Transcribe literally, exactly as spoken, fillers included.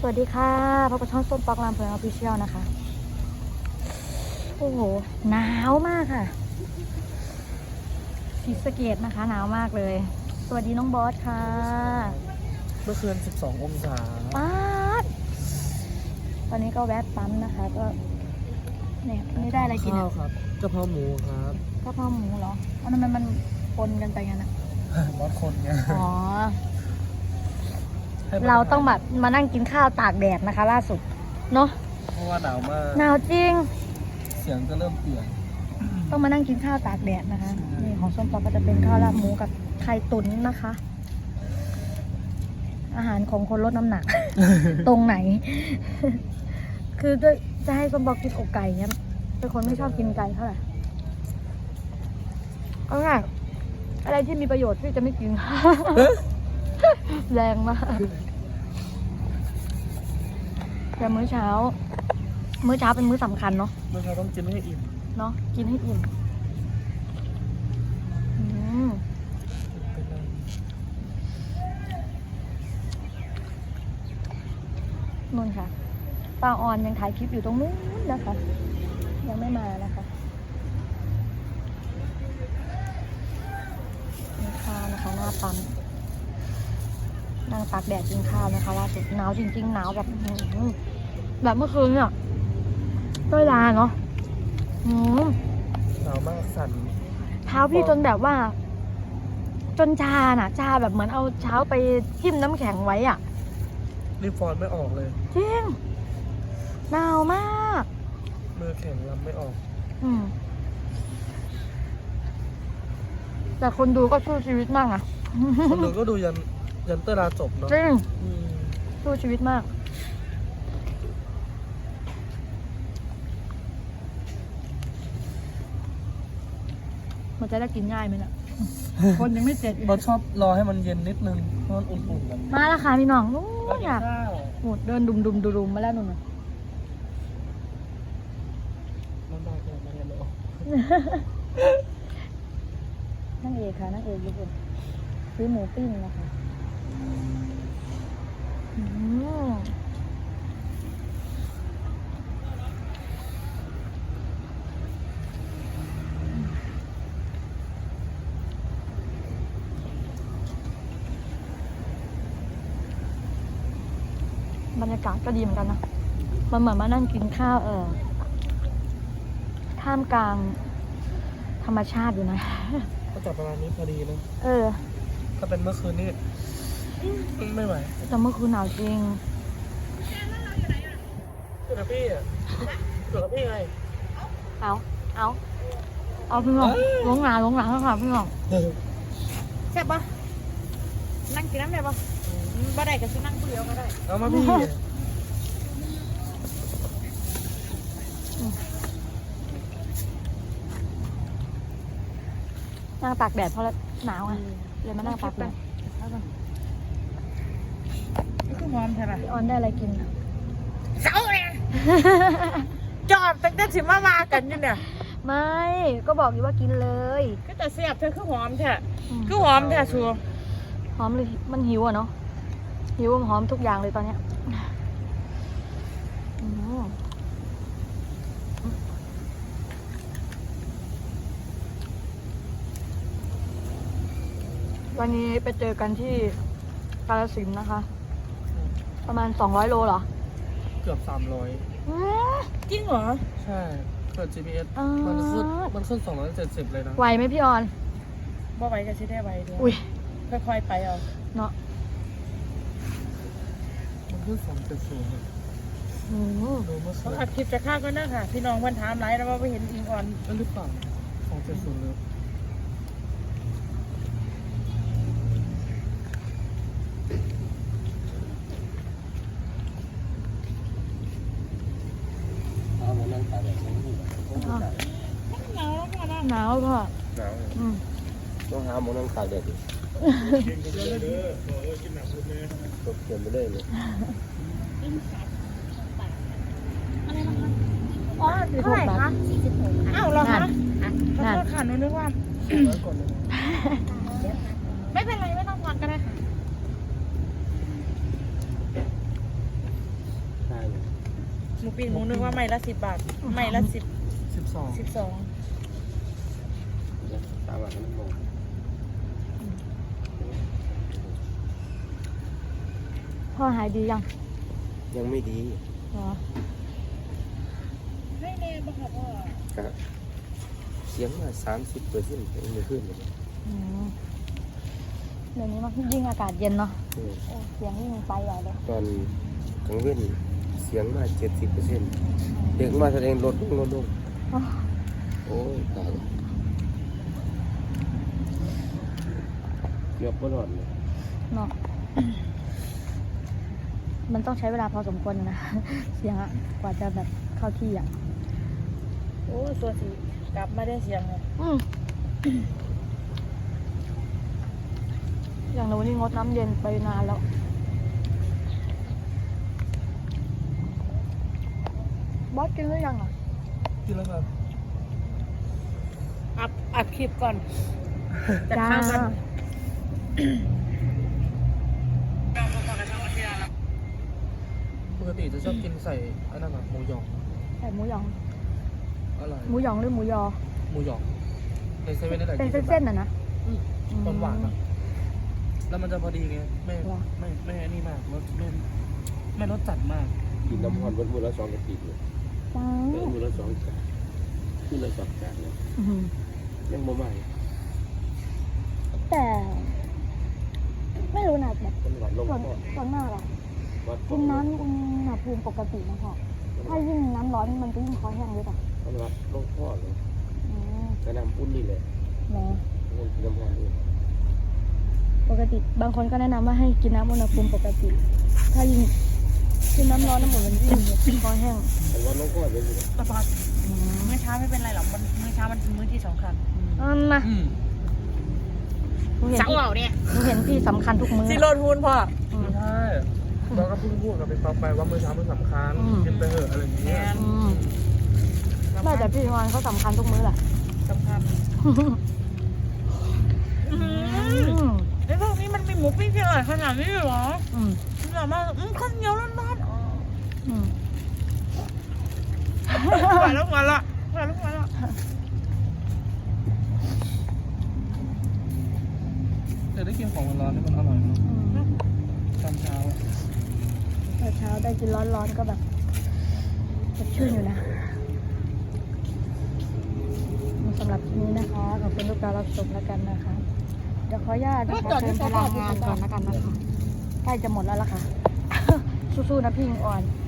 วัสดีค่ะพบกับช่องส้มปอกลามเพลินออฟฟิเชียลนะคะโอ้โหหนาวมากค่ะศรีสะเกษนะคะหนาวมากเลยสวัสดีน้องบอสค่ะเมื่อคืนสิบสององศาป๊าดตอนนี้ก็แวะปั๊มนะคะก็เนี่ยไม่ได้อะไรกินข้าวครับกะเพราหมูครับกะเพราหมูเหรอเอาทำไมมันปนกันไปงั้นอะบอสคนไงอ๋อเราต้องแบบมานั่งกินข้าวตากแดดนะคะล่าสุดเนาะเพราะว่าหนาวมากหนาวจริงเสียงจะเริ่มเปลี่ยนต้องมานั่งกินข้าวตากแดดนะคะนี่ของส้มปอก็จะเป็นข้าวราดหมูกับไข่ตุ๋นนะคะ อาหารของคนลดน้ำหนัก ตรงไหน คือด้วยจะให้ส้มปอกินอกไก่เนี่ยเป็นคนไม่ชอบกินไก่เท่าไหร่เอาไงอะไรที่มีประโยชน์ที่จะไม่กิน แรงมากแต่มื้อเช้า มื้อเช้าเป็นมื้อสำคัญเนาะเมื่อเราต้องกินให้อิ่มเนาะกินให้อิ่มอืมนู่นค่ะป้าออนยังถ่ายคลิปอยู่ตรงนู้นนะคะ ยังไม่มานะคะมีข้าวนะคะหน้าปั๊มนั่งตากแดดกินข้าวนะคะล่าสุดหนาวจริงๆหนาวแบบแบบเมื่อคืนเนี่ยต้อยลาเนาะอืมหนาวมากสั่นเท้าพี่จนแบบว่า จนชาน่ะชาแบบเหมือนเอาเท้าไปทิ่มน้ำแข็งไว้อ่ะรีฟอนไม่ออกเลยจริงหนาวมากมือแข็งลำไม่ออกอืมแต่คนดูก็สู้ชีวิตมากอ่ะคนดูก็ดูยันยันเตอร์ลาจบเนาะจริงอืมสู้ชีวิตมากมันจะได้กินง่ายไหมล่ะ คนยังไม่เสร็จบอสชอบรอให้มันเย็นนิดนึงเพราะมันอุ่นๆกันมาแล้วค่ะพี่น้องนู้แล้วนกินอ่ะข้าวโหเดินดุมดุมดุมมาแล้วนู่นน่ะน้ำตาเกิดมาแล้วนั่งเอกค่ะนั่งเอกญี่ปุ่นซื้อหมูปิ้งนะคะอืมบรรยากาศก็ดีเหมือนกันนะมันเหมือนมานั่งกินข้าวเออท่ามกลางธรรมชาติอยู่นะก็จับประมาณนี้พอดีนะเออถ้าเป็นเมื่อคืนนี่ไม่ไหวแต่เมื่อคืนหนาวจริงอยู่กับพี่อ่ะอยู่กับพี่ไงเอาเอาเอาพี่น้องลงหนาลงหลังแล้วค่ะพี่น้องแซ่บปะนั่งกินน้ำได้ปะบ่ได้ก็สินั่งผู้เดียวก็ได้เอามาพี่นั่งตากแดดเพราะหนาวไงเลยมานั่งตากแดดนี่คือหอมใช่ไหมพี่ออนได้อะไรกินเสาเนี่ยจอดตั้งแต่สิมามากันอยู่เนี่ยไม่ก็บอกอยู่ว่ากินเลยก็จะเสียบเธอคือหอมแท้คือหอมแท้ชัวหอมเลยมันหิวอ่ะเนาะหิวหอมทุกอย่างเลยตอนเนี้ยอืมวันนี้ไปเจอกันที่กาฬสินธุ์นะคะ ประมาณสองร้อยโลเหรอเกือบสามร้อยอืมจริงเหรอใช่เปิด จี พี เอสอ่ามัมันขึ้นมันขึ้นสองร้อยเจ็ดสิบเลยนะไหวไหมพี่ออนบ่ไหวก็สิได้ไหวด้วยอุ้ยค่อยๆไปเอาเนาะมันขึ้นสองเจ็ดศูนย์อืมดูเมื่อเขาคืนอัดคลิปจะฆ่าก็นะค่ะ พี่น้องวันถามไรแล้วว่าไปเห็นอิงออนนั่นหรือเปล่าสองเจ็ดศูนย์เลยเอามานั่งตากแดดหนาวแล้วค่ะนะหนาวก็หนาวอืมต้องหาหมอนั่งตากแดดดิตกเขียนไม่ได้เลยอ๋อเท่าไหร่คะอ้าวเหรอคะนั่นขอโทษค่ะหนูนึกว่า ไม่เป็นไรไม่ต้องทอนก็ได้ค่ะมูปิ้งหมูนึกว่าไม่ละสิบบาทไม่ละสิบสิบสองสิบสองตามหลักมันมองพ่อหายดียังยังไม่ดีเหรอให้แน่บ้างค่ะพ่อก็เสียงว่าสามสิบเปอร์เซ็นต์ไม่ขึ้นเลยอืมเดี๋ยวนี้มันยิ่งอากาศเย็นเนาะเออโอ้เสียงยิ่งไปใหญ่เลยตอนกลางเว้นเสียงมาเจ็ดสิบเปอร์เซ็นต์เด็กมาแสดงลดลงลดลงอ๋อโอ้ยตายเกือบไม่รอดเลยเนาะ มันต้องใช้เวลาพอสมควรนะ เสียงอะกว่าจะแบบเข้าที่อ่ะโอ้ตัวสีกลับมาได้เสียงเลยอืม อย่างหนูนี่งดน้ำเย็นไปนานแล้ว บอสกินหรือยังอ่ะกินแล้วครับอัพอัดคลิปก่อนจะจ้าข้าวกันปกติจะชอบกินใส่อันนั้นแบบหมูหยองใส่หมูหยองอร่อยหมูหยองหรือหมูยอหมูหยองในเซเว่นนี่แหละเป็นกิเส้นๆน่ะนะหวานหวานๆอะแล้วมันจะพอดีไงไม่เหรอไม่ไม่อันนี่มากรสไม่ไม่รสจัดมากกินน้ำพรวันมือละสองกระติกเลยจ้าเออมือละสองจานมือละสองจานเลยอื้อหือยังบ่ใหม่แต่ ไม่รู้นะแบบมันหวานลงส่วนคอส่วนมากอะวัดกินน้ำอุณหภูมิปกตินะพ่อถ้ายิ่งน้ำร้อนมันจะยิ่งคอแห้งเลยป่ะมันวัดลงคอเลยอืมกระน้ำอุ่นนี่แหละเนาะมันกินน้ำพรนี่ปกติบางคนก็แนะนำว่าให้กินน้ำอุณหภูมิปกติ ถ้ายิ่งกินน้ำร้อนน้ำหมดมันยิ่งแบบคอแห้งมันวัดลงคอเลยนี่แหละตะพอดมื้อเช้าไม่เป็นไรหรอกมันมื้อเช้ามันเป็นมื้อที่สำคัญอันนะอืมหนูเห็นเสาพี่เหล่าเนี่ยหนูเห็นพี่สำคัญทุกมื้อซิโรทูนพ่ออืมไม่ใช่เราก็เพิ่งพูดกับไปป๊อปไปว่ามื้อเช้ามันสำคัญอืมกินไปเถอะอะไรอย่างเงี้ยอืมไม่แต่พี่วานเขาสำคัญทุกมื้อแหละสำคัญอืมไอ้พวกนี้มันมีหมูปิ้งที่อร่อยขนาดนี้เลยเหรออืมมันแบบว่าอืมข้าวเหนียวร้อนๆอ๋ออืมหวานแล้วหวานละหวานแล้วหวานละแต่ได้กินของร้อนๆนี่มันอร่อยเนาะอืมตอนเช้าอะตอนเช้าได้กินร้อนๆก็แบบสดชื่นอยู่นะสำหรับคลิปนี้นะคะ ขอบคุณทุกการรับชมแล้วกันนะคะ เดี๋ยวขออนุญาตนะคะเดินไปลางานก่อนแล้วกันนะคะ ใกล้จะหมดแล้วล่ะค่ะ สู้ๆนะพี่อิงอ่อน